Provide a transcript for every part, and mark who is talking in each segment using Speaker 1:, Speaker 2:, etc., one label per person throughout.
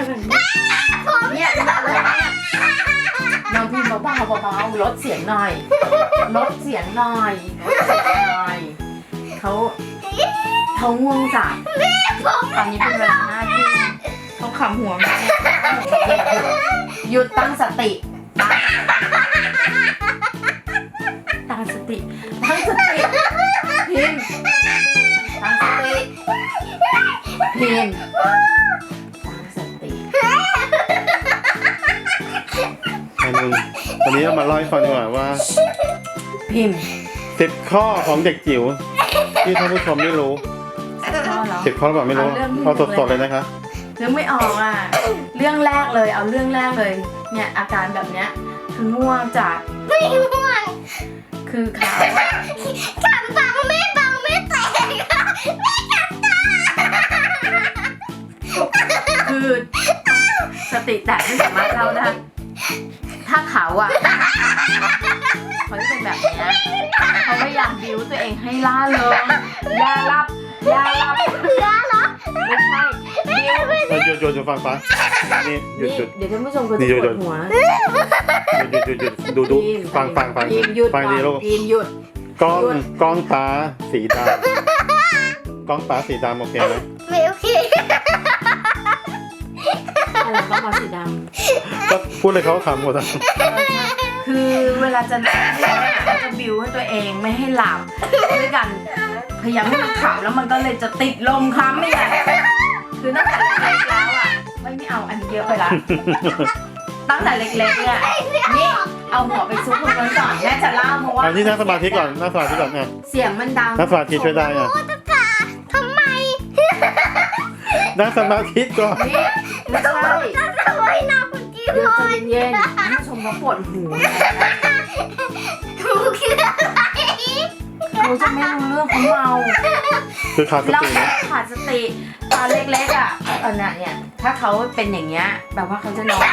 Speaker 1: เนี่ยน้องพิมพ์เบาๆลดเสียงหน่อยเขาง่วงจัดตอนนี้เป็นเวลา5 ทุ่มเขาขำหัวแม่หยุดตั้งสติพิมพ์ตั้งสติพิมพ์ตั้งสติ
Speaker 2: วันนี้เรามาเล่าให้ฟังดีกว่าว่า
Speaker 1: พิมพ์
Speaker 2: 10 ข้อของเด็กจิ๋วที่ท่านผู้ชมไม่รู้10 ข้อหรือเปล่าไม่รู้เอาสดๆเลยนะคะ
Speaker 1: เรื่องไม่ออกอ่ะเรื่องแรกเลยเนี่ยอาการแบบเนี้ยคือง่วงจัด
Speaker 3: ไม่ง่วง
Speaker 1: คือขา
Speaker 3: ขันฟังไม่แตกไม่ขันตา
Speaker 1: คือสติแตกไม่สามารถเล่าได้ถ้าเขาอ่ะเขาจะเป็นแบบนี้เขาไม่อยากบิ้วตัวเองให้ล่าเริงอย่าหลับ
Speaker 3: เหรอ
Speaker 1: ไม่ใช่
Speaker 2: หยุดฟังนี่หยุด
Speaker 1: เดี๋ยวท่านผู้ชมก็จะปวดหัว
Speaker 2: ดูฟังดีลูกกล้องตาสีดำกล้องตาสีดำโอเคไหม
Speaker 3: ไม่โอเค
Speaker 1: อะไรกล้องตาสีด
Speaker 2: ำก็พูดเลยเขาขำหมดอ่ะ
Speaker 1: คือเวลาจะนอนเนี่ยเขาจะบิ้วให้ตัวเองไม่ให้หลับด้วยกันพยายามให้มันขำแล้วมันก็เลยจะติดลมค้ำไม่ได้คือตั้งแต่เล็กๆแล้วอ่ะไม่เอาอันเยอะไปละตั้งแต่เล็กๆเนี่ยนี่เอาหัวไปซุกตรงนั้นก่อนแม่จะเล่าเพราะว่า
Speaker 2: อันนี้นั่งสมาธิก่อนไง
Speaker 1: เสียงมันดัง
Speaker 2: นั่งสมาธิช่วยได้ไง
Speaker 3: ทำไม
Speaker 2: นั่งสมาธิก่อน
Speaker 1: นี่ไม่ใช่
Speaker 3: ทำไมน้ำคุณจีบ
Speaker 1: เลยใจเย็นๆผู้ชมเขาปวดหัว
Speaker 3: ถูกคืออะไร
Speaker 1: เขาจะไม่รู้เรื่องเขาเมา
Speaker 2: คือขาดสติ
Speaker 1: ขาดสติตอนเล็กๆอ่ะเนี่ยถ้าเขาเป็นอย่างเงี้ยแบบว่าเขาจะนอน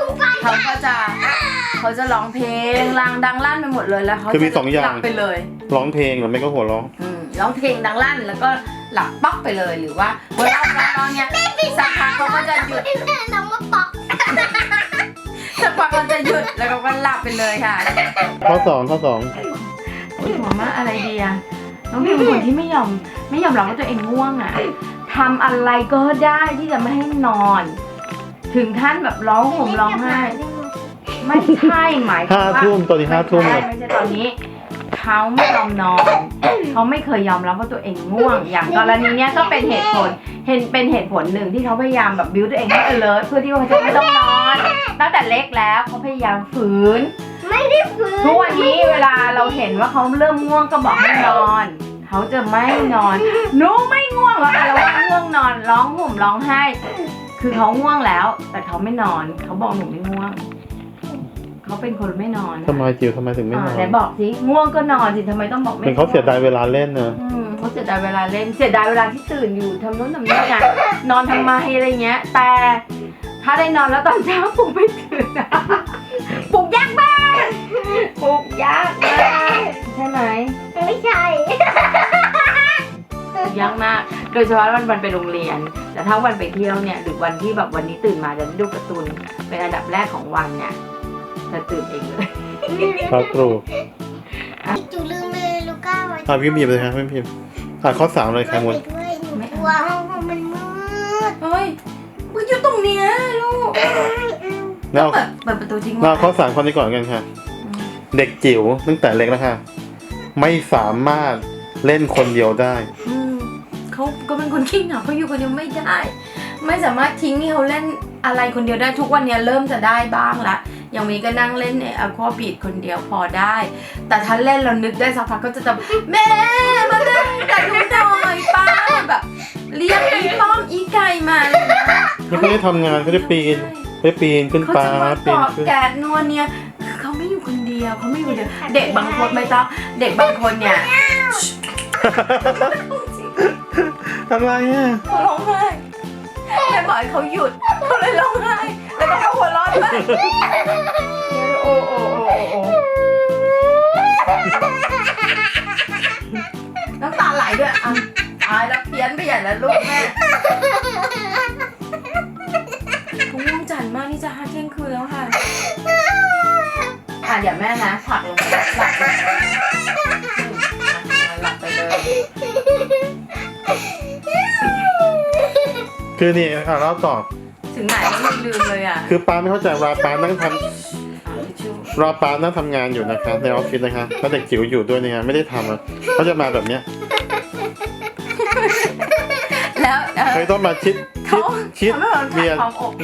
Speaker 1: เขาจะร้องเพลงดังลั่นไปหมดเลยแล้วเขาจะหลับไปเลย
Speaker 2: ร้องเพลงหรือไม่ก็หัวร้อง
Speaker 1: ร้องเพลงดังลั่นแล้วก็หลับป๊อกไปเลยหรือว่าเวลาตอนเนี้ยสักพักเขาก็จะหยุด
Speaker 3: น้องมาป๊อก
Speaker 1: สักพักเขาจะหยุดแล้วเขาก็หลับไปเลยค่ะ
Speaker 2: ข้อ2
Speaker 1: หัวมากอะไรดีอะน้องพิมเป็นคนที่ไม่ยอมรับว่าตัวเองง่วงอะทำอะไรก็ได้ที่จะไม่ให้นอน ถึงขั้นแบบร้องห่มร้องไห้ไม่ใช่หมายถึงว่า
Speaker 2: 5 ทุ่มตอนนี้5 ทุ่ม
Speaker 1: ไม่ใช่ตอนนี้เขาไม่ยอมนอนเขาไม่เคยยอมรับว่าตัวเองง่วงอย่างกรณีเนี้ยก็เป็นเหตุผลหนึ่งที่เขาพยายามแบบบิ้วตัวเองให้alertเพื่อที่เขาจะไม่ต้องนอนตั้งแต่เล็กแล้วเขาพยายามฝืน
Speaker 3: ไม่ได้ฝืน
Speaker 1: ทุกวันนี้เวลาเราเห็นว่าเขาเริ่มง่วงก็บอกให้นอนเขาจะไม่นอนหนูไม่ง่วงแล้วเราว่าง่วงนอนร้องห่มร้องไห้คือเขาง่วงแล้วแต่เขาไม่นอนเขาบอกหนูไม่ง่วงเขาเป็นคนไม่นอน
Speaker 2: ทำไมจิ๋วทำไมถึงไม่นอน
Speaker 1: ไหนบอกสิง่วงก็นอนสิทำไมต้องบอกไม่
Speaker 2: เป็นเขาเสียดายเวลาเล่นนะ
Speaker 1: เขาเสียดายเวลาเล่นเสียดายเวลาที่ตื่นอยู่ทำโน้นทำนี่ไงนอนทำไมอะไรเงี้ยแต่ถ้าได้นอนแล้วตอนเช้าปลุกไม่ตื่นปลุกยากมากใช่ไหม
Speaker 3: ไม่ใช่
Speaker 1: ยากมากโดยเฉพาะวันไปโรงเรียนแต่ถ้าวันไปเที่ยวเนี่ยหรือวันที่แบบวันนี้ตื่นมาจะดูการ์ตูนเป็นอันดับแรกของวันเนี่ยจะตื่นเองเลย
Speaker 2: ครับครู
Speaker 3: จูลืมเลยลูก้าไว้
Speaker 2: พิมพ์เลยครับพิมพ์ข้อ3เลยครับหมด
Speaker 3: ไม่กลัวห้องมันมืด
Speaker 1: เฮ้ยมันอยู่ตรงเนี้ยลูก
Speaker 2: แล้ว
Speaker 1: เปิดประตูทิ้งไว้
Speaker 2: เราข้อ3ข้อนี้ก่อนกันค่ะเด็กจิ๋วตั้งแต่เล็กแล้วค่ะไม่สามารถเล่นคนเดียวได้
Speaker 1: เขาก็เป็นคนขี้เหงาเขาอยู่คนเดียวไม่ได้ไม่สามารถทิ้งให้เขาเล่นอะไรคนเดียวได้ทุกวันนี้เริ่มจะได้บ้างละอย่างมีก็นั่งเล่นอควาบีดคนเดียวพอได้แต่ถ้าเล่นเรานึกได้สักพักก็จะแบบแม่มาเล่นแต่ดูหน่อยป้าแบบเรียกอีป้อมอีไก่มา
Speaker 2: เขาไม่ได้ทำงานเขาได้ปีนขึ้นฟ้า
Speaker 1: ปีนขึ้นแกะนวลเนี่ยคือเขาไม่อยู่คนเดียวเขาไม่อยู่คนเดียวเด็กบางคนไม่ต้องเด็กบางคนเนี่ย
Speaker 2: อะไรอ่ะ
Speaker 1: เขาร้องไห้แม่บอกให้เขาหยุดเขาเลยร้องไห้แล้วก็เขาหัวเราะด้วยโอ้น้ำตาไหลด้วยอ่ะตายแล้วเพี้ยนไปใหญ่แล้วลูกแม่เดี๋ยวแม่นะผลักลงไปหลับไปหลับไปเลย
Speaker 2: คือนี่เล่าต่อ
Speaker 1: ถึงไหนก็ไม่ลืมเลยอ่ะ
Speaker 2: คือป้าไม่เข้าใจว่าป้านั่งทำ
Speaker 1: ทิชชู่
Speaker 2: รอป้านั่งทำงานอยู่นะคะในออฟฟิศนะคะแล้วเด็กจิ๋วอยู่ด้วยเนี่ยไม่ได้ทำอ่ะเขาจะมาแบบเนี้ย
Speaker 1: แล้ว
Speaker 2: เคยต้องมาชิดเบียร์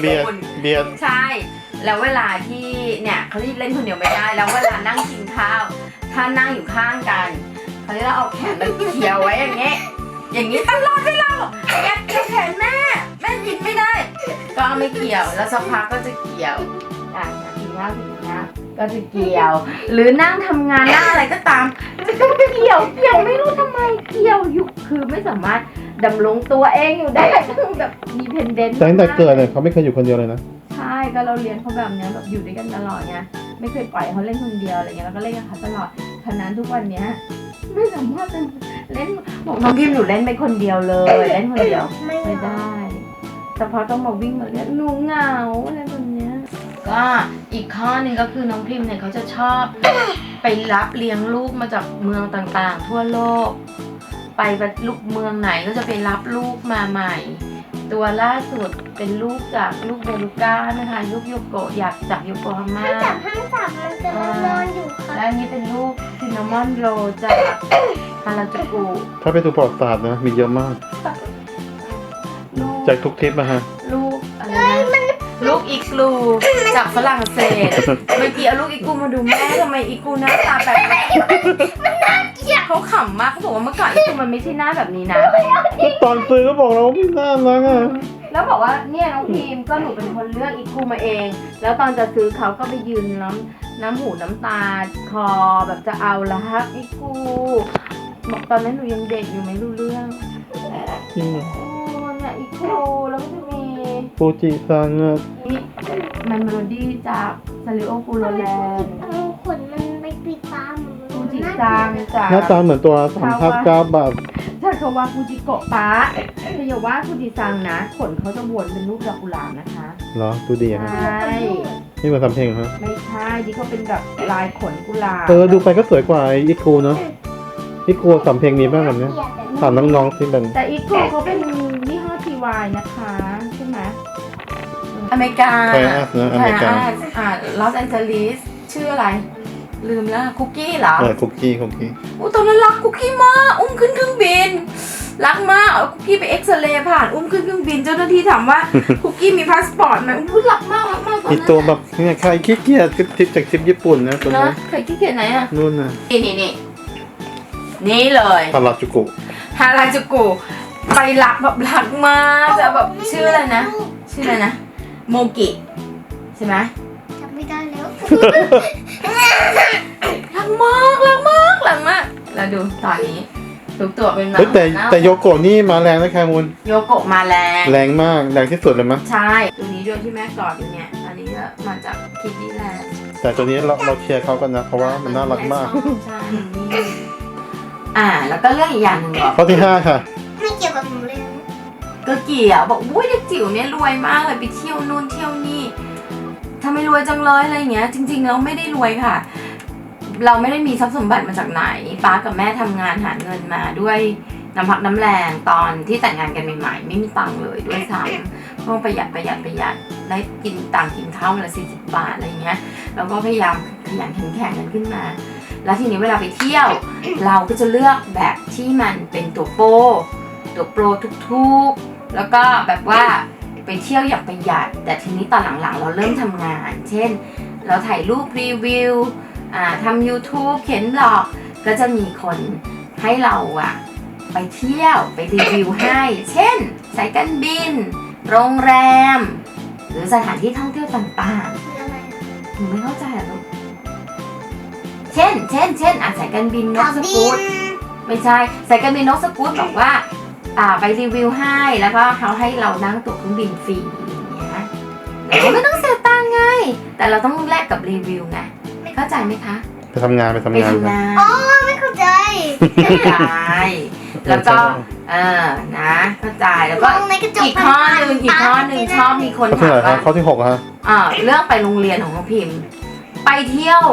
Speaker 1: ใช่ แล้วเวลาที่เนี่ยเขาที่เล่นคนเดียวไม่ได้ แล้วเวลานั่งกินข้าว ถ้านั่งอยู่ข้างกันเขาจะเอาแขนมาเกี่ยวไว้อย่างเงี้ย อย่างนี้ตลอดเวลาแอบเกี่ยวแขนแม่กินไม่ได้ ก็ไม่เกี่ยว แล้วสักพักก็จะเกี่ยวกินข้าวก็จะเกี่ยว หรือนั่งทำงานนั่งอะไรก็ตามจะต้องเกี่ยวไม่รู้ทำไมเกี่ยวอยู่คือไม่สามารถดำรงตัวเองอยู่ได้ต้องแบบมีเพนเดนต์
Speaker 2: ตั้งแต่เกิดเนี่ยเขาไม่เคยอยู่คนเดียวเลยนะ
Speaker 1: ใช่ก็เราเรียนเขาแบบเนี้ยแบบอยู่ด้วยกันตลอดไงไม่เคยปล่อยเขาเล่นคนเดียวอะไรเงี้ยแล้วก็เล่นกับเขาตลอดฉะนั้นทุกวันเนี้ยไม่สามารถจะเล่นบอกน้องพิมหนูเล่นไม่คนเดียวเลยเล่นคนเดียวไม่ได้แต่พอต้องมาวิ่งมาเล่นหนูเหงาอะไรแบบเนี้ยก็อีกข้อหนึ่งก็คือน้องพิมเนี่ยเขาจะชอบไปรับเลี้ยงลูกมาจากเมืองต่างๆทั่วโลกไปลูกเมืองไหนก็จะไปรับลูกมาใหม่ ตัวล่าสุดเป็นลูกจากลูกเบลูก้านะคะลูกโยโกะอยากจากโยโกฮาม่า
Speaker 3: ห้ามจับมันจะนอนอยู่ค่ะ
Speaker 1: และอันนี้เป็นลูกซินนามอนโรจากฮาราจูกุ
Speaker 2: ถ้าไปดูประวัติศาสตร์นะมีเยอะมาก
Speaker 1: ลูก
Speaker 2: จากทุกทริปนะฮะ
Speaker 1: ลูกอะไรนะลูกอีกลูจากฝรั่งเศสเมื่อกี้เอาลูกอีกูมาดูแม่ทำไมอีกูหน้าตาแบบนี้เขาขำมากเขาบอกว่าเมื่อก่อนอีกูมันไม่ใช่หน้าแบบนี้นะ
Speaker 2: ตอนซื้อก็บอกเราว่าไม่น่ารักอ่ะ
Speaker 1: แล้วบอกว่าเนี่ยน้องพีมก็หนูเป็นคนเลือกอีกูมาเอง แล้วตอนจะซื้อเขาก็ไปยืนน้ำหูน้ำตาคอแบบจะเอาละฮะอีกูบอกตอนนั้นหนูยังเด็กอยู่ไม่รู้เรื่อง
Speaker 2: จริงเหรอ
Speaker 1: โอ้เนี่ยอีกูแล้วก็จะมี
Speaker 2: ฟูจิซังอ่ะ
Speaker 1: มันเมโลดี้จากซาริโอฟูโรแลนด์
Speaker 3: เอาขนมันไปปิดตาหมด
Speaker 1: ฟูจิซังจาก
Speaker 2: หน้าตาเหมือนตัว3,900 บาท
Speaker 1: ถ้าเขาว่าฟูจิโกะปะแต่อย่าว่าฟูจิซังนะขนเขาจะวนเป็นรูปดอกกุหลาบนะคะ
Speaker 2: เหรอดูดี
Speaker 1: ใช
Speaker 2: ฮะ
Speaker 1: ่
Speaker 2: นี่มาทำเพลงเหรอฮะ
Speaker 1: ไม่ใช่ที่เขาเป็นแบบลายขนกุหลาบ
Speaker 2: ดูไปก็สวยกว่าอีกูเนาะอีกูสำเพลงนี้บ้างแบบเนี้ยถามน้องๆที่เป็น
Speaker 1: แต่อีโกเขาเป็นยี่ห้อ TY นะคะใช่ไหมอเมริกา
Speaker 2: ไทยอัสนะอเมริกา
Speaker 1: ลอสแอนเจลิสชื่ออะไร ลืมแล้วคุกกี้เหรอ
Speaker 2: คุกกี้
Speaker 1: ตอนนั้นรักคุกกี้มากอุ้มขึ้นเครื่องบินรักมากเอาคุกกี้ไปเอ็กซเรย์ผ่านอุ้มขึ้นเครื่องบินเจ้าหน้าที่ถามว่า คุกกี้มีพาสปอร์ตไหมอุ้ยรักมากตอน
Speaker 2: มี
Speaker 1: นั้น
Speaker 2: ตัวแบบเนี่ยใครขี้เกียจทริปจากทริปญี่ปุ่นนะตัว
Speaker 1: นะ
Speaker 2: นี้
Speaker 1: เคยขี้เกียจไหนอ่ะ
Speaker 2: นู่นนะ
Speaker 1: นี่เลย
Speaker 2: ฮาราจูกุ
Speaker 1: ฮาราจูกุไปรักแบบรักมากจะแบบชื่ออะไรนะโมกิใช่ไหม
Speaker 3: จำไม่ได้แล้ว
Speaker 1: รักมากแล้วดูตอนนี้ทุกตัวเป็นแบบ
Speaker 2: เฮ้ยแต่โยโกะนี่มาแรงนะแคมูล
Speaker 1: โยโกะมาแรง
Speaker 2: แรงมากแรงที่สุดเลยมั้ย
Speaker 1: ใช่ตัวนี้ด้วยที่แม่กอดอยู่เนี่ยอันนี้ก็มาจากคิดดี้แลนด์
Speaker 2: แต่ตัวนี้เราเชียร์เขากันนะเพราะว่ามันน่ารักมาก
Speaker 1: ใช่นี่แล้วก็เรื่องอีกอย่างหนึ่งบอก
Speaker 2: ข้อที่ 5 ค่ะ
Speaker 3: ไม่เกี่ยวกับหนูเลยนะ
Speaker 1: ก็เกี่ยวบอกอุ้ยเด็กจิ๋วเนี่ยรวยมากเลยไปเที่ยวนู่นเที่ยวนี่ทำไมรวยจังเลยอะไรอย่างเงี้ยจริงๆเราไม่ได้รวยค่ะ เราไม่ได้มีทรัพย์สมบัติมาจากไหนป้ากับแม่ทำงานหาเงินมาด้วยน้ำพักน้ำแรงตอนที่แต่งงานกันใหม่ๆไม่มีตังค์เลยด้วยซ้ำต้องประหยัดได้กินตังค์กินข้าววันละ40 บาทอะไรอย่างเงี้ยเราก็พยายามขยันขันแข็งกันขึ้นมา แล้วทีนี้เวลาไปเที่ยว เราก็จะเลือกแบบที่มันเป็นตัวโปรทุกๆแล้วก็แบบว่าไปเที่ยวอย่างประหยัดแต่ทีนี้ตอนหลังๆเราเริ่มทำงาน เช่นเราถ่ายรูปรีวิวทำ YouTube เขียนบล็อกก็จะมีคนให้เราไปเที่ยวไปรีวิวให้เช่นสายการบินโรงแรมหรือสถานที่ท่องเที่ยวต่างๆ
Speaker 3: คืออะไร
Speaker 1: หนูไม่เข้าใจอ่ะลูกเช่นสายการบินนกสกู๊ตไม่ใช่สายการบินนกสกู๊ตบอกว่าไปรีวิวให้แล้วก็เขาให้เรานั่งตั๋วเครื่องบินฟรีอย่างเงี้ยเราไม่ต้องเสียตังค์ไงแต่เราต้องแลกกับรีวิวไงเข้าใจไหมคะ
Speaker 2: ไปทำงาน
Speaker 1: ไปทำงาน
Speaker 3: อ๋อไม่เข้าใจ
Speaker 1: เข้าใจแล้วก็นะเข้าใจแล้วก็
Speaker 3: มองในกระจก
Speaker 1: อีกข้อหนึ่งชอบมีคน
Speaker 2: ข้อที่
Speaker 1: ถาม
Speaker 2: ไหน
Speaker 1: ว่า
Speaker 2: ข้อที่ 6 ฮะ
Speaker 1: เรื่องไปโรงเรียนของน้องพิมพ์ไปเที่ยว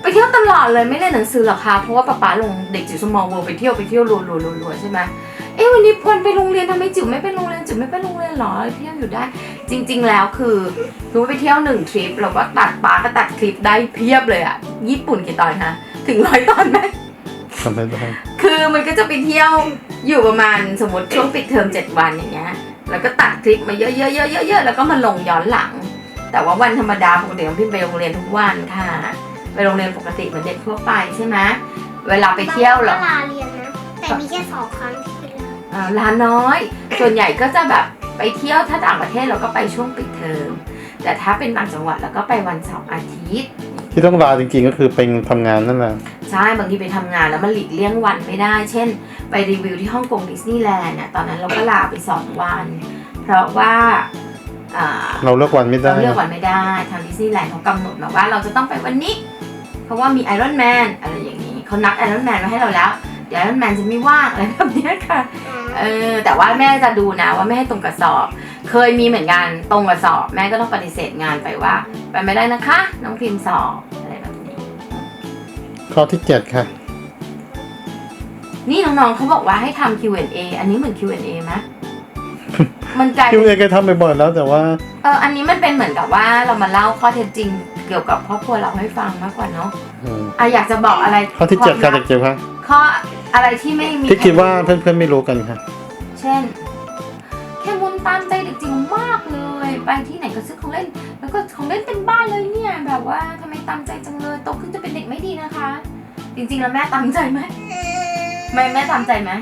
Speaker 1: ไปเที่ยวตลอดเลยไม่เล่นหนังสือหรอกคะเพราะว่าป๊าลงเด็กจิ๋วสมอลเวิลด์ไปเที่ยวรัวใช่ไหมวันนี้พลไปโรงเรียนทำไมจิ๋วไม่ไปโรงเรียนจิ๋วไม่ไปโรงเรียนหรอเที่ยวอยู่ได้จริงๆแล้วคือรู้ไปเที่ยว1 ทริปเราก็ป๊าก็ตัดคลิปได้เพียบเลยอะญี่ปุ่นกี่ตอนนะถึง100 ตอนไหม
Speaker 2: ทำไมได้
Speaker 1: คือมันก็จะไปเที่ยวอยู่ประมาณสมมติช่วงปิดเทอม7 วันอย่างเงี้ยแล้วก็ตัดคลิปมาเยอะๆแล้วก็มาลงย้อนหลังแต่ว่าวันธรรมดาปกติน้องพิมไปโรงเรียนทุกวันค่ะไปโรงเรียนปกติเหมือนเด็กทั่วไปใช่ไหมเวลาไปเที่ยวหรอ
Speaker 3: ลาเรียนนะแต่มีแค่2 ครั้งที่ไปลา
Speaker 1: ลาน้อยส่วนใหญ่ก็จะแบบไปเที่ยวถ้าต่างประเทศเราก็ไปช่วงปิดเทอมแต่ถ้าเป็นต่างจังหวัดเราก็ไปวันเสาร์อาทิตย์
Speaker 2: ที่ต้องลาจริงๆก็คือเป็นทำงานนั่นแหละ
Speaker 1: ใช่บางทีไปทำงานแล้วมันหลีกเลี่ยงวันไม่ได้ เช่นไปรีวิวที่ฮ่องกงดิสนีย์แลนด์เนี่ยตอนนั้นเราก็ลาไป2 วัน เพราะว่า
Speaker 2: เราเลือกวันไม่ได้
Speaker 1: เราเลือกวันไม่ได้ทางดิสนีย์แลนด์เขากำหนดมาว่าเราจะต้องไปวันนี้ เพราะว่ามีไอรอนแมนอะไรอย่างนี้เขานัดไอรอนแมนมาให้เราแล้วเดี๋ยวไอรอนแมนจะไม่ว่างอะไรแบบนี้ค่ะแต่ว่าแม่จะดูนะว่าไม่ให้ตรงกับสอบเคยมีเหมือนกันตรงกับสอบแม่ก็ต้องปฏิเสธงานไปว่าไปไม่ได้นะคะน้องพิมพ์สอบอะไรแบบนี้
Speaker 2: ข้อที่7ค่ะ
Speaker 1: นี่น้องๆเขาบอกว่าให้ทำ Q&A อันนี้เหมือน Q&A ไหม มันกลาย
Speaker 2: คิว
Speaker 1: เป็
Speaker 2: เอน เคยทำบ่อยๆแล้วแต่ว่า
Speaker 1: อันนี้มันเป็นเหมือนกับว่าเรามาเล่าข้อเท็จจริงเกี่ยวกับครอบครัวเราให้ฟังมากกว่าเนาะอยากจะบอกอะไร
Speaker 2: ข้อที่7ค่ะเด็กจิ๋วค่ะ
Speaker 1: ข้ออะไรที่ไม่มี
Speaker 2: ที่คิดว่าเพื่อนๆไม่รู้กันค่ะ
Speaker 1: เช่นแค่มุนตามใจเด็กจิ๋วมากเลยไปที่ไหนก็ซื้อของเล่นแล้วก็ของเล่นเป็นบ้านเลยเนี่ยแบบว่าทำไมตามใจจังเลยโตขึ้นจะเป็นเด็กไม่ดีนะคะ จริงๆแล้วแม่ตามใจไหมแม่ตามใจไหม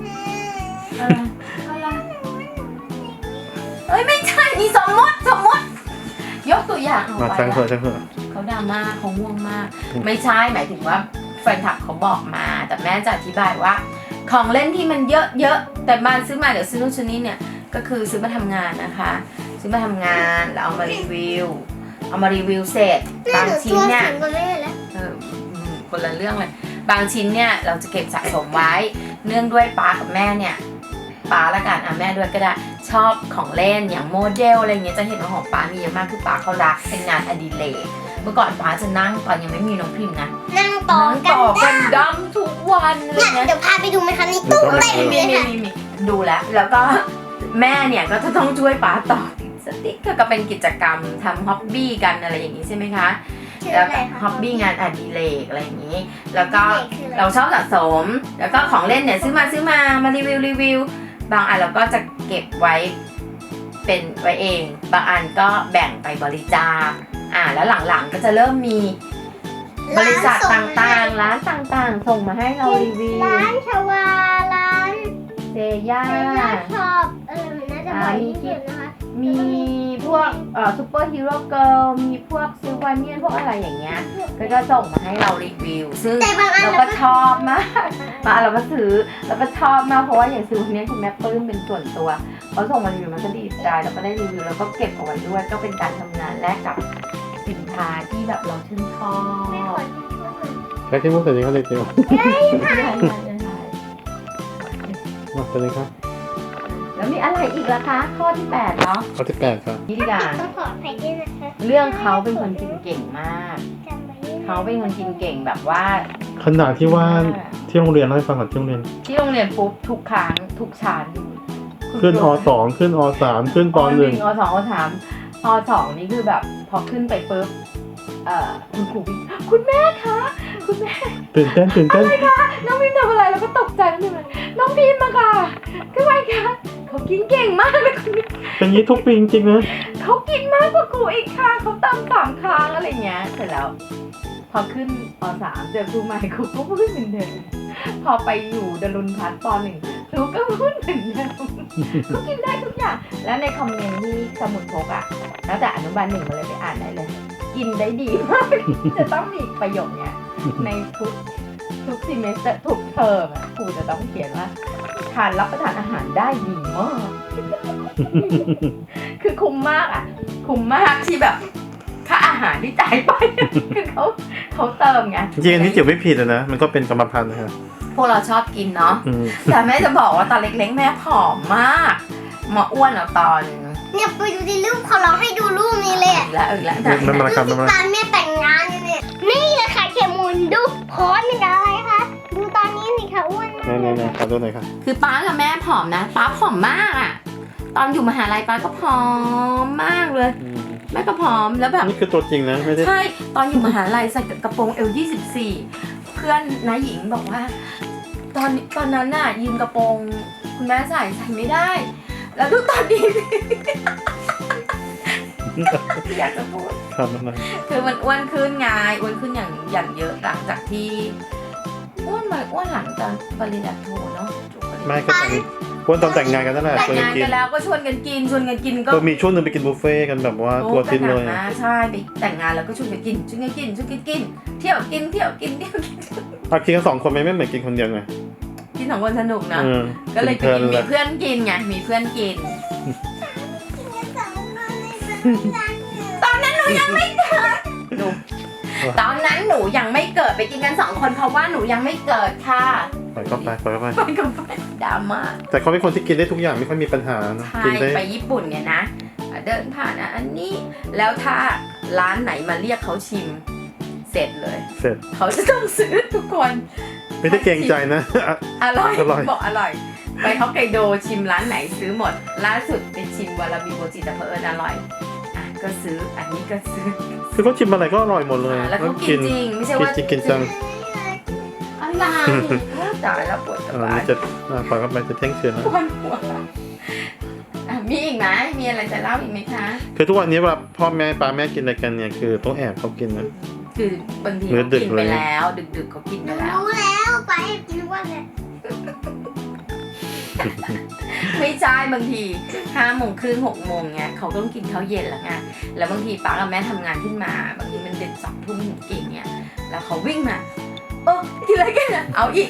Speaker 1: อะไรไม่ใช่นี่สมมติยกตัวอย่างเอา
Speaker 2: มา
Speaker 1: ไป
Speaker 2: ช่างเถอะช่างเถอะ
Speaker 1: เขาดราม่าเขาง่วงมาก ไม่ใช่หมายถึงว่าแฟนคลับเขาบอกมาแต่แม่จะอธิบายว่า ของเล่นที่มันเยอะแต่บ้านซื้อมาเดี๋ยวซื้อนู่นซื้อนี่เนี่ยก็คือซื้อมาทำงานนะคะซื้อมาทำงานแล้วเอามารีวิวเสร็จบางชิ้นเนี่ยคนละเรื่องเลยบางชิ้นเนี่ยเราจะเก็บสะสมไว้เนื่องด้วยป๊ากับแม่เนี่ยป๊าละกันแม่ด้วยก็ได้ชอบของเล่นอย่างโมเดลอะไรเงี้ยจะเห็นว่าของป๊ามีเยอะมากคือป๊าเขารักเป็นงานอดิเรกเมื่อก่อนป๊าจะนั่งตอนยังไม่มีน้องพิมพ์นะ
Speaker 3: นั่งต่อ
Speaker 1: กันดั้มทุกวันเลย
Speaker 3: เนี่ย
Speaker 1: นะ
Speaker 3: เดี๋ยวพาไปดูไหมคะนี่ตู้เต็มเลยค่ะ
Speaker 1: มีดูแล้วก็แม่เนี่ยก็จะต้องช่วยป๊าต่อติดสติ๊กก็เป็นกิจกรรมทำฮ็อบบี้กันอะไรอย่างนี้ใช่ไหมคะแล้วฮ็อบบี้งานอดิเรกอะไรอย่างนี้ แล้วก็เราชอบสะสมแล้วก็ของเล่นเนี่ยซื้อมารีวิวบางอันเราก็จะเก็บไว้เป็นไว้เองบางอันก็แบ่งไปบริจาคแล้วหลังๆก็จะเริ่มมีบริษัทต่างๆร้านต่างๆส่งมาให้เรารีวิว
Speaker 3: ร้านชวาร้าน
Speaker 1: เซย่า
Speaker 3: ชอบมันน่าจะบ่อยที่สุดนะคะ
Speaker 1: มีพวกซูเปอร์ฮีโร่เกิร์ลมีพวกซิลวาเนียนพวกอะไรอย่างเงี้ยก็จะส่งมาให้เรารีวิวซึ่งเราก็ชอบมากเราก็ซื้อแล้วก็ชอบมากเพราะว่าอย่างซิลวาเนียนคุณแม่ปลื้มเป็นส่วนตัวเขาส่งมารีวิวมันก็ดีใจแล้วก็ได้รีวิวแล้วก็เก็บเอาไว้ด้วยก็เป็นการทำงานแลกกับสินค้าที่แบบเราชื่นชอบ
Speaker 2: ใช้ที่มุกแต่ยังเขาเด็กจิ๋ว มาเป็นเลยครับ
Speaker 1: แล้วมีอะไรอีกล่ะคะข้อที่8เนาะ
Speaker 2: ข้อที่8ครับ
Speaker 1: นี่ดีกว่า
Speaker 3: ต้องขออภัยด้วยนะคะ
Speaker 1: เรื่องเขาเป็นคนกินเก่งมาก
Speaker 3: จำไว้ด้วย
Speaker 1: เขาเป็นคนกินเก่งแบบว่า
Speaker 2: ขนาดที่ว่าที่โรงเรียนเล่าให้ฟังก่อนที่โรงเรียน
Speaker 1: ที่โรงเรียนปุ๊บทุกครั้งทุกชั้น
Speaker 2: ขึ้นอ.2 ขึ้นอ.3 ขึ้นป.1
Speaker 1: อ.2 อ.3 อ.2 นี่คือแบบพอขึ้นไปปุ๊บคุณครูวิ่งคุณแม่คะคุณแม่
Speaker 2: ตื่นเต้น
Speaker 1: อะไรคะน้องพิมทำอะไรแล้วก็ตกใจน้องพิมเลยน้องพิมมาค่ะคือไงคะเขากินเก่งมากเลยคุณ
Speaker 2: เป็นยี่ทุกปีจริงๆนะ
Speaker 1: เขากินมากกว่าครูอีกค่ะเขาตาม3 ครั้งอะไรเงี้ยเสร็จแล้วพอขึ้นป.3 เจอครูใหม่ครูก็พูดเหมือนเดิมพอไปอยู่ดลุนพัฒน์ป.1 ครูก็พูดเหมือนเดิมเขากินได้ทุกอย่างแล้วในคอมเมนต์ที่สมุดพกแล้วแต่อนุบาล 1มาเลยไปอ่านได้เลยกินได้ดีมากจะต้องมีประโยคเนี้ยในทุกซีเมสเตอร์ทุกเทอมครูจะต้องเขียนว่าทานรับประทานอาหารได้ดีมาก คือคุ้มมากคุ้มมากที่แบบค่าอาหารที่จ่ายไป คือเขาเติมไง
Speaker 2: จริงๆอันนี้จิ๋วไม่ผิดนะมันก็เป็นกรรมพันธุ์นะครับ
Speaker 1: พวกเราชอบกินเนาะแต่แม่จะบอกว่าตอนเล็กๆแม่ผอมมากมาอ้วนเอาตอน
Speaker 3: เนี่ยไปดูในรูปเขาเราให้ดูรูปนี้เลย
Speaker 1: อีกแล้วอีกแล้ว
Speaker 2: ไม่มาครับ
Speaker 3: ดูตอนแม่แต่งงานเนี่ยนี่นะคะเขมมูลดูโพสเป็นอะไรคะดูตอนนี้สิคะอ้วนมาก
Speaker 2: นี่ขอดูหน่อยค่ะ
Speaker 1: คือป้ากับแม่ผอมนะป้าผอมมากอะตอนอยู่มหาลัยป้าก็ผอมมากเลยแม่ก็ผอมแล้วแบบ
Speaker 2: นี่คือตัวจริงนะไม่ได้
Speaker 1: ใช่ตอนอยู่มหาลัยใส่กระโปรงL24เพื่อนน้าหญิงบอกว่า ตอนนั้นน่ะยืมกระโปรงคุณแม่ใส่ไม่ได้ แล้วดูตอนนี้ อยากจะพูด
Speaker 2: ครับนั่นนะ
Speaker 1: คือมันอ้วนขึ้นไงอ้วนขึ้นอย่างเยอะหลังจากที่อ้วนหลังตอนปริญญาโทเนาะจบปริญญา
Speaker 2: ไม่ก็แต่งวันตอนแต่งงานกันนั่นแหละ
Speaker 1: แต่ง
Speaker 2: ชวนกั
Speaker 1: งาน น
Speaker 2: กิน
Speaker 1: กันแล้วก็ชวนกันกินก็
Speaker 2: ก็มีช่วงหนึงไปกินบุฟเฟ่ต์กันแบบว่าตัวทิ้นเลย
Speaker 1: นะใช่ไปแต่งงานแล้วก็ชวนกันกินเที่ยวกินเที่ยวกิน
Speaker 2: เอากินกัน2 คนไม่เหมือนกินคนเดียวไง
Speaker 1: กินสองคนสนุกนะ
Speaker 2: เออ
Speaker 1: ก็เลยไปกินมีเพื่อนกินไงมีเพื่อนกิน ตอนนั้นหนูยังไม่เกิดตอนนั้นหนูยังไม่เกิดไปกินกัน2 คนเพราะว่าหนูยังไม่เกิดค่ะ
Speaker 2: ปล่อยเข้าไป
Speaker 1: ไปกับไปดราม่า
Speaker 2: แต่เขาเป็นคนที่กินได้ทุกอย่างไม่ค่อยมีปัญหานะ
Speaker 1: ใช่
Speaker 2: กินได้
Speaker 1: ไปญี่ปุ่นเนี่ยนะเดินผ่านอันนี้แล้วถ้าร้านไหนมาเรียกเขาชิมเสร็จเลย
Speaker 2: เสร็จ
Speaker 1: เขาจะต้องซื้อทุกคน
Speaker 2: ไม่ได้เกรงใจนะ
Speaker 1: อร่อย
Speaker 2: อร่อย
Speaker 1: บอกอร่อย ไปฮอกไกโดชิมร้านไหนซื้อหมด ล่าสุดไปชิมวาราบิโมจิแต่เพออร่อยอ่ะก็ซื้ออันนี้ก็ซื้อ
Speaker 2: คือเขาชิมอะไรก็อร่อยหมดเลย
Speaker 1: แล้วเขากินจริงไม่ใช่ว่า
Speaker 2: กินจัง
Speaker 1: อะไรตายแล้วปวดกระ
Speaker 2: อัน
Speaker 1: บา
Speaker 2: นี้
Speaker 1: ล
Speaker 2: จะปล่อยเข้าไปจะเที่ยงคืนแล้ว
Speaker 1: ปวดหัวอ่ะมีอีกไหมมีอะไรจะเล่าอีกไหมคะ
Speaker 2: คือทุกวันนี้เวลาพ่อแม่ป้าแม่กินอะไรกันเนี่ยคือต้องแอบเขากินนะ
Speaker 1: คือบางที
Speaker 2: มื้อ
Speaker 1: เขา
Speaker 2: ดึก
Speaker 1: กินไปแล้ว ดึกๆเขากินไปแล้ว
Speaker 3: รู้แล้วไปกินว่าเลย
Speaker 1: ไม่ใช่บางที5:30 6:00เนี่ยเขาต้องกินข้าวเย็นแล้วไงแล้วบางทีป้ากับแม่ทำงานขึ้นมา บางทีมันดึก2 ทุ่มถึงกี่เนี่ยแล้วเขาวิ่งมากินอะไรกันอ่ะเอาอีก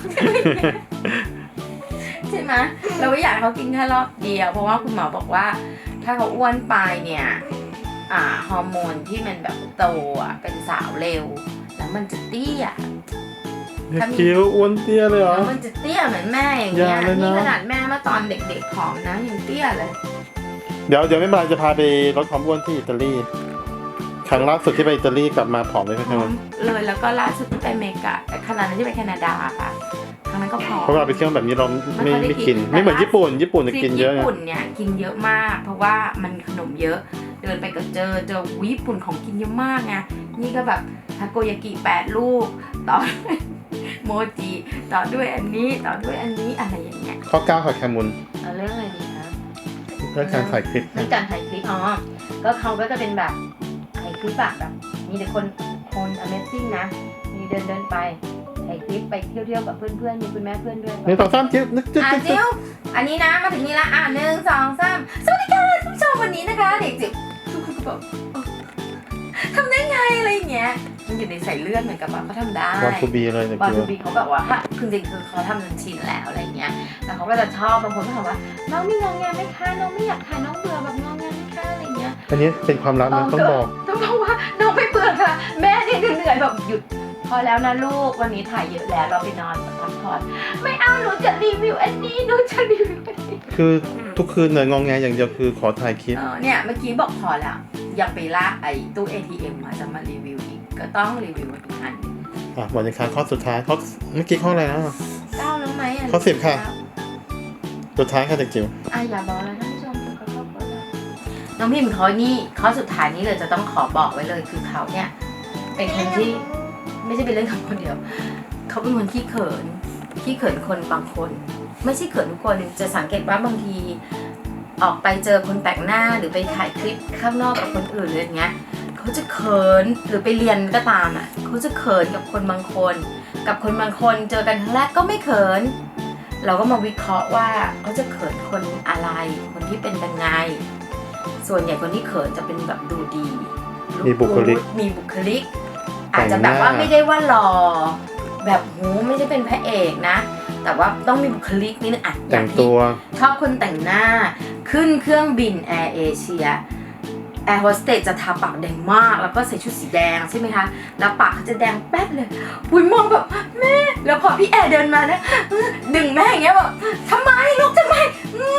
Speaker 1: ใช่ไหมเราไม่อยากให้เขากินแค่รอบเดียวเพราะว่าคุณหมอบอกว่า ถ้าเขาอ้วนไปเนี่ยฮอร์โมนที่มันแบบโตเป็นสาวเร็ว แล้วมันจะเตี้ย
Speaker 2: คิ้วอ้วนเตี้ยเลยเหรอ
Speaker 1: แล้วมันจะเตี้ยเหมือนแม่อย่างเงี้ย
Speaker 2: อย่าเลยนะ
Speaker 1: นี่ขนาดแม่เมื่อตอนเด็กๆผอมนะยังเตี้ยเลย
Speaker 2: เดี๋ยวไม่เป็นไรจะพาไปลดความอ้วนที่อิตาลีครั้งล่าสุดที่ไปอิตาลีกลับมาผอมเลยใช่
Speaker 1: ผ
Speaker 2: ไห
Speaker 1: อ
Speaker 2: ม
Speaker 1: มเลยแล้วก็ล่าสุดที่ไปอเมริกาแต่ขนาดนั้นที่ไปแคนาดาค่ะครั้งนั้นก็ผอม
Speaker 2: เพราะเราไปเที่ยวแบบนี้เรา
Speaker 1: ไม่ค่อยได้
Speaker 2: ไม่
Speaker 1: กิ
Speaker 2: กิ
Speaker 1: น
Speaker 2: น ไม่เหมือนญี่ปุ่นจะ
Speaker 1: ทริ
Speaker 2: กิ
Speaker 1: ป
Speaker 2: นเยอะ
Speaker 1: ญี่
Speaker 2: ไง
Speaker 1: ปุ่นเนี่ยกินเยอะมาก เพราะว่ามันขนมเยอะเดินไปก็เจอญี่ปุ่นของกินเยอะมากไงนี่ก็แบบทาโกยากิ8 ลูกต่อด้วยโมจิต่อด้วยอันนี้ต่อด้วยอันนี้อะไรอย่างเงี้ย
Speaker 2: ข้อ9ค่ะแคมุน
Speaker 1: เอาเรื่องอะไรดีคะ
Speaker 2: เรื่องการถ่ายคลิป
Speaker 1: เรื่องการถ่ายคลิปก็เขาก็จะเป็นแบบถ่ายคลิปแบบมีแต่คน Amazing นะมีเดินไปถ่ายคลิปไปเที่ยวกับเพื่อนๆมีคุณแม่เพื่อนด้วย
Speaker 2: 1 2 3จิ๊บนึกจิ๊บ
Speaker 1: จิ๋วอันนี้นะมาถึงนี้ละ1 2 3สวัสดีค่ะผู้ชมวันนี้นะคะเด็กจิ๋วทุกคนก็บอกทำได้ไงอะไรอย่างเงี้ยมันอยู่ในสายเลือดเหมือนกับว่าเขาทำได้
Speaker 2: วันทูบีเลยนะ
Speaker 1: บอล
Speaker 2: คิ
Speaker 1: ทู
Speaker 2: ว
Speaker 1: บีเขาแบบว่าคือจริงคือเขาทำจนชินแล้วอะไรเงี้ยแล้วเขาก็จะชอบบางคนก็ถามว่าน้องมีงองแงไหมคะน้องไม่อยากถ่ายน้องเบื่อแบบงองแงไหมคะอะไรเงี้ย
Speaker 2: อันนี้เป็นความลับนะต้องบอก
Speaker 1: ต้องบอกว่าน้องไม่เบื่อค่ะ แม่เนี่ยเหนื่อยแบบหยุดพอแล้วนะลูกวันนี้ถ่ายเยอะแล้วเราไปนอนพักผ่อนไม่เอาหนูจะรีวิวอันนี้หนูจะรีวิวอันนี้
Speaker 2: คือทุกคืนเนี่ยงองแงอย่างเดียวคือขอถ่ายคลิป
Speaker 1: เนี่ยเมื่อกี้บอกพอแล้วยังไปลากไอ้ตู้ ATM มาจะมารีวิวอีกก็ต้องรีวิวอีกอัน
Speaker 2: วันนี้ค่ะข้อสุดท้ายข้อเมื่อกี้ข้ออะไรนะ
Speaker 1: เก้าแล้วไหม
Speaker 2: ข้อ10ค่ะ สุดท้ายค่ะเด็กจิ๋ว
Speaker 1: อย่าบอกเลยท่านผู้ชมเขาชอบบอกเลยน้องพิมพ์เขานี่ข้อสุดท้ายนี้เลยจะต้องขอบอกไว้เลยคือเขาเนี่ยเป็นคนที่ไม่ใช่เป็นเรื่องของคนเดียวเขาเป็นคนขี้เขินคนบางคน ไม่ใช่เขินทุกคนจะสังเกตว่าบางทีออกไปเจอคนแปลกหน้าหรือไปถ่ายคลิปข้างนอกกับคนอื่นอะไรอย่างเงี้ยเขาจะเขินหรือไปเรียนก็ตามเขาจะเขินกับคนบางคน กับคนบางคนเจอกันครั้งแรกก็ไม่เขินเราก็มาวิเคราะห์ว่าเขาจะเขินคนอะไรคนที่เป็นยังไงส่วนใหญ่คนที่เขินจะเป็นแบบดูดี
Speaker 2: มีบุคลิก
Speaker 1: อาจจะแบบว่าไม่ได้ว่าหล่อแบบไม่ใช่เป็นพระเอกนะ แต่ว่าต้องมีบุคลิกนิดนึง
Speaker 2: แต่งตัว
Speaker 1: ชอบคนแต่งหน้าขึ้นเครื่องบินแอร์เอเชียแอร์โฮสเตสจะทาปากแดงมากแล้วก็ใส่ชุดสีแดงใช่ไหมคะแล้วปากเขาจะแดงแป๊ดเลยปุ้ยมองแบบแม่แล้วพอพี่แอร์เดินมานะดึงแม่อย่างเงี้ยแบบทำไมลูกทำไมเขิน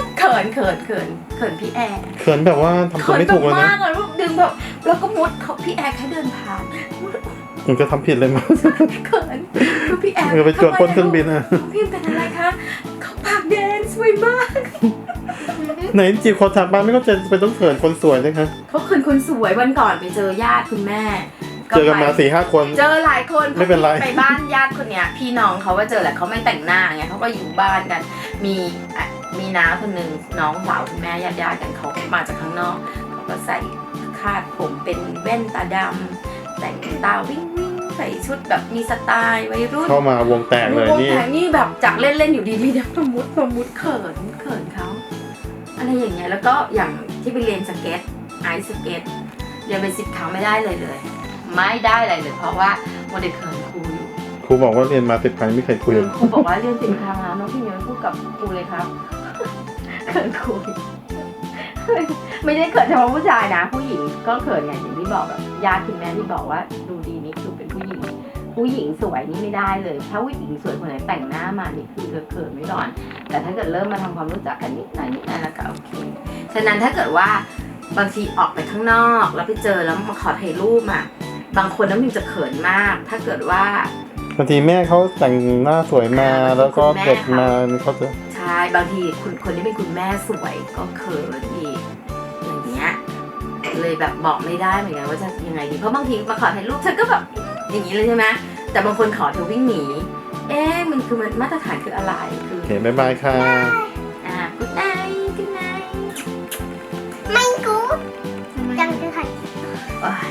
Speaker 1: เขินพี่แอร์
Speaker 2: เขินแบบว่าทำตัวไม่ถูกเลย
Speaker 1: เขินแบบ
Speaker 2: นะ
Speaker 1: มากเลยดึงแบบแล้วก็มุดเขาพี่แอร์แค่เดินผ่าน
Speaker 2: มันจะทำผิดเลยมั้ง
Speaker 1: เขินคือพี่แอร์
Speaker 2: ไปจวดบนเครื่องบินอ่ะ
Speaker 1: น้องพิมเป็นอะไรคะเขาปากแดงสวยมาก
Speaker 2: ไหนจีบคนถามบ้านไม่ก็จะไปต้องเขินคนสวยนะคะ
Speaker 1: เขาเขินคนสวยวันก่อนไปเจอญาติคุณแม่
Speaker 2: เจอกันมา 4-5 คน
Speaker 1: เจอหลายคน
Speaker 2: ไม่เป็นไร
Speaker 1: ไปบ้านญาติคนเนี้ยพี่น้องเขาว่าเจอแหละเขาไม่แต่งหน้าไงเขาก็อยู่บ้านกัน มีน้าคนหนึ่งน้องสาวคุณแม่ญาติกันเขามาจากข้างนอกเขาก็ใส่คาดผมเป็นแว่นตาดำแต่งตาวิ่งใส่ชุดแบบมีสไตล์วัยรุ่น
Speaker 2: เข้ามาวงแตกเลยว
Speaker 1: ง
Speaker 2: นี่
Speaker 1: แผงนี่แบบจากเล่นๆอยู่ดีๆเดี๋ยวประมุดเขินเขาอะไรอย่างเงี้ยแล้วก็อย่างที่ไปเรียนสเก็ตไอซ์สเก็ตเรียนเป็น10 ครั้งไม่ได้เลย ไม่ได้อะไรเลยเพราะว่าโมเดลเขินครูอยู่
Speaker 2: ครูบอกว่าเรียนมา10 ครั้งไม่เคยคุย
Speaker 1: ครูบอกว่าเรียน10 ครั้งแล้วน้องพี่เมียพูดกับครูเลยครับเขินครูไม่ได้เขินเฉพาะผู้ชายนะผู้หญิงก็เขินอย่างที่บอกแบบญาติคุณแม่ที่บอกว่าดูดีนี่คือเป็นผู้หญิงสวยนี่ไม่ได้เลยถ้าผู้หญิงสวยคนไหนแต่งหน้ามานี่คือเขินไม่ก่อน แต่ถ้าเกิดเริ่มมาทำความรู้จักกันนิดหน่อยแล้วก็โอเคฉะนั้นถ้าเกิดว่าบางทีออกไปข้างนอกแล้วไปเจอแล้วมาขอถ่ายรูปอ่ะบางคนน้ำมิวจะเขินมาก ถ้าเกิดว่า
Speaker 2: บางทีแม่เขาแต่งหน้าสวยมาแล้วก็เด็กมาเขาจะ
Speaker 1: ใช่บางทีคนที่เป็นคุณแม่สวยก็เขินอีกอย่างเงี้ยเลยแบบบอกไม่ได้เหมือนกันว่าจะยังไงดีเพราะบางทีมาขอถ่ายรูปฉันก็แบบอย่างนี้เลยใช่ไหมแต่บางคนขอเธอวิ่งหนีมันคือมันมาตรฐานคืออะไรคือ
Speaker 2: โอเคบ๊ายบายค่ะ
Speaker 1: good night good night
Speaker 3: ไม่กูจังคือใคร
Speaker 1: โอ๊ย